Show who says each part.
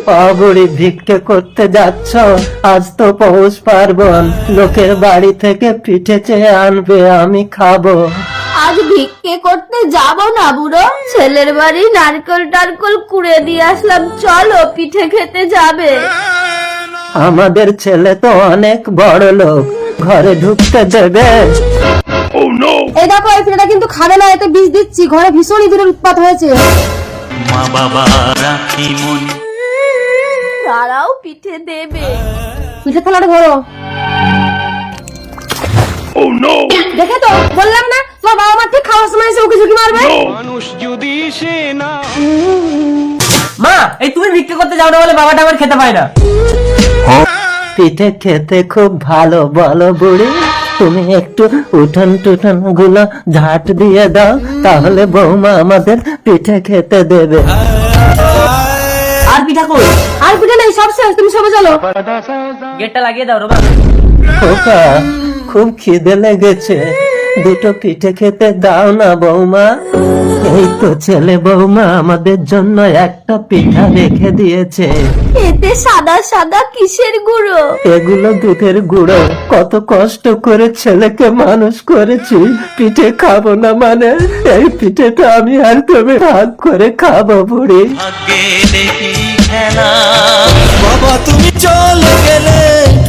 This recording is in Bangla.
Speaker 1: বুড়ি ভিক্ষে করতে যাচ্ছ? আজ তো পৌষ পার্বণ, লোকের বাড়ি থেকে পিঠে চেয়ে আনবে, আমি খাবো।
Speaker 2: আজ ভিক্ষে করতে যাব না বুড়ো, ছেলের বাড়ি নারকেল টারকেল কুড়ে দিয়ে আসলাম, চলো পিঠে খেতে যাবে।
Speaker 1: আমাদের ছেলে তো অনেক বড় লোক, ঘরে ঢুকতে দেবে?
Speaker 3: এই দেখো, এই পিঠাটা কিন্তু খাবে না, এতে বিষ দিচ্ছি, ঘরে ভীষণ ইঁদুরের উৎপাত হয়েছে।
Speaker 4: মা বাবা রাখি মনে।
Speaker 2: তারাও পিঠে দেবে।
Speaker 3: পিঠে থালাটা ধরো। দেখে তো বললাম না, তোমার বাবা মা ঠিক খাওয়ার সময় এসে ওকে ঝুঁকি মারবে।
Speaker 5: মা, এই তুমি ভিক্ষা করতে যাও না বলে বাবাটা আবার খেতে পায় না।
Speaker 1: পিঠে খেতে খুব ভালো, বলো বুড়ি? তুমি একটু উঠোন টুঠন গুলো ঝাঁট দিয়ে দাও, তাহলে বৌমা আমাদের পিঠে খেতে দেবে।
Speaker 5: আর পিঠা কই?
Speaker 3: আর পিঠে নেই, সব শেষ, তুমি সবে চলো।
Speaker 5: গেটটা লাগিয়ে দাও রোবা।
Speaker 1: খোকা, খুব খিদে লেগেছে, দুটো পিঠে খেতে দাও না বৌমা। এই তো ছেলে বৌমা আমাদের জন্য একটা পিঠা রেখে দিয়েছে।
Speaker 2: এতে সাদা সাদা কিসের গুঁড়ো?
Speaker 1: এগুলো দুধের গুঁড়ো, কত কষ্ট করে ছেলেকে মানুষ করেছি, পিঠে খাবো না মানে? এই পিঠেটা আমি আর তুমি ভাগ করে খাবো বুড়ি।
Speaker 4: ভাগ্যে দেখি খেলা
Speaker 6: বাবা তুমি চলে গেলে